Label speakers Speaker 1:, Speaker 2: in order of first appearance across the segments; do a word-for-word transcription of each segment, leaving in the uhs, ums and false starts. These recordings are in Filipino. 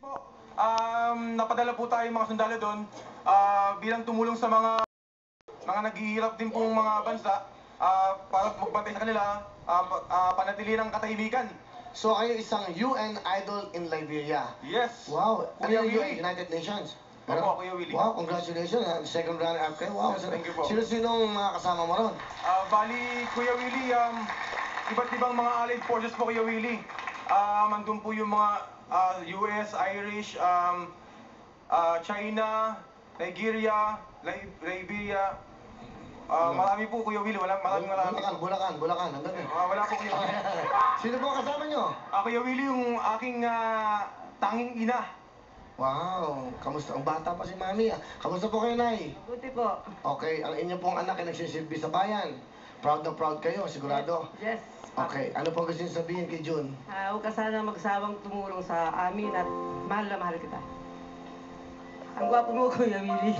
Speaker 1: po. Um, napadala po tayo mga sundalo doon ah, bilang tumulong sa mga mga naghihirap din pong mga bansa ah, para magbantay sa kanila, ah, pa- ah, panatili ng katahimikan.
Speaker 2: So kayo isang U N idol in Liberia.
Speaker 1: Yes.
Speaker 2: Wow. Ano
Speaker 1: Kuya
Speaker 2: yung U N?
Speaker 1: Willie.
Speaker 2: United Nations?
Speaker 1: Opo, Kuya Willie.
Speaker 2: Wow, congratulations. ah, Second runner-up kayo. Wow.
Speaker 1: Yes, thank you po.
Speaker 2: Sino-sinong mga kasama mo ron?
Speaker 1: Ah, bali, Kuya Willie, um, iba't ibang mga allied forces po, Kuya Willie. Um, andun po yung mga ah, U S, Irish, um, ah, China, Nigeria, Lib- Liberia. Ah,
Speaker 2: Ano?
Speaker 1: marami po, Kuya Willie. Wala, maraming marami.
Speaker 2: Bulacan, Bulacan, Bulacan. Hanggang eh.
Speaker 1: Ah, wala po, Kuya Willie.
Speaker 2: Sino po ang kasama nyo?
Speaker 1: Ah, Kuya Willie, yung aking ah, tanging ina.
Speaker 2: Wow, kamusta? Ang bata pa si Mami. ah. Kamusta po kayo, Nay?
Speaker 3: Buti po.
Speaker 2: Okay, ang inyo pong anak ay nagsisilbi sa bayan. Proud na proud kayo, sigurado.
Speaker 3: Yes.
Speaker 2: Okay, ano pong gusto niyo sabihin kay June?
Speaker 3: Ah, huwag ka sana magsawang tumulong sa amin at mahal na mahal kita. Ang gwapo mo, Kuya Willie.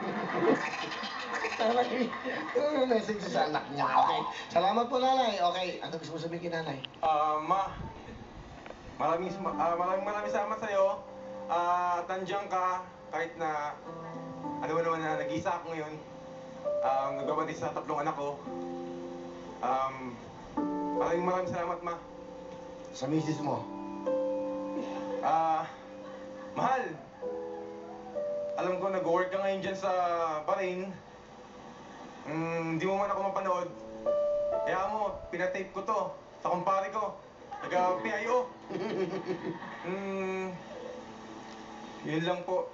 Speaker 2: Tama eh. Ano yung message sa anak niya? Okay. Salamat po, nanay. Okay, ano gusto mo sabihin kay nanay?
Speaker 1: Ah, ma, maraming, ah, maraming maraming salamat sa'yo. Ah, at nandiyan ka kahit na ano mo naman na nag-isa ako ngayon. Um, nagbabati sa tatlong anak ko. Um, maraming maraming salamat, ma.
Speaker 2: Sa misis mo.
Speaker 1: Ah, mahal. Alam ko nag-work ka ngayon dyan sa Bahrain. Mm, hindi mo man ako mapanood. Kaya mo, pinatape ko to sa kumpare ko. Taga-P I O. Mm, yun lang po.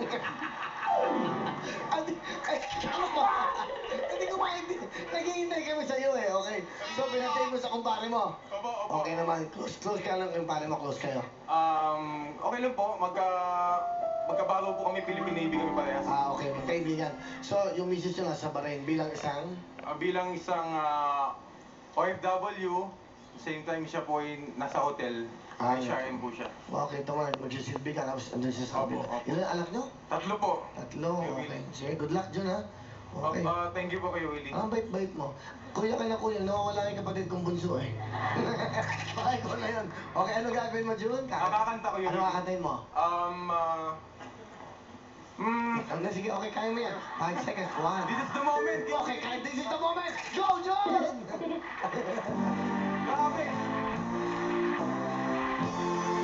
Speaker 2: Ay, ay, ano ba? Hindi ko maintindihan. Naghihintay kami sa iyo eh, okay? So, pinatay mo sa kumpare mo.
Speaker 1: Opo, opo.
Speaker 2: Okay naman, close, close ka lang yung kumpare mo, close kayo.
Speaker 1: Um, okay lang po. Magka, magkabago po kami, Philippine Navy kami parehas.
Speaker 2: Ah, okay, magkaibigan. So, yung misis nyo nasa Bahrain bilang isang...
Speaker 1: Ah, bilang isang ah, O F W, same time siya po ay nasa hotel.
Speaker 2: Ah,
Speaker 1: Ay,
Speaker 2: yeah.
Speaker 1: H R M po siya.
Speaker 2: Okay, tama, magsisilbi ka, tapos andun siya sa
Speaker 1: Opo,
Speaker 2: kabila.
Speaker 1: opo.
Speaker 2: Ilan anak nyo?
Speaker 1: Tatlo po.
Speaker 2: Tatlo,
Speaker 1: Kuya
Speaker 2: okay.
Speaker 1: Willie.
Speaker 2: Sige, good luck dyan ha. Okay.
Speaker 1: Ah, ah, thank you po kayo, Willie.
Speaker 2: Ang bait-bait mo. Kuya ka na kuya, nawawala yung kapatid kong bunso eh. Bakit ko na yun? Okay, ano gagawin mo, June?
Speaker 1: Kakakanta ko yun.
Speaker 2: Ano kakantayin mo?
Speaker 1: Um, ah... mm,
Speaker 2: Ano, sige, okay, kaya mo yan. Five seconds, one.
Speaker 1: this is the moment!
Speaker 2: Okay, kaya this is the moment! Go, June!
Speaker 1: Grabe!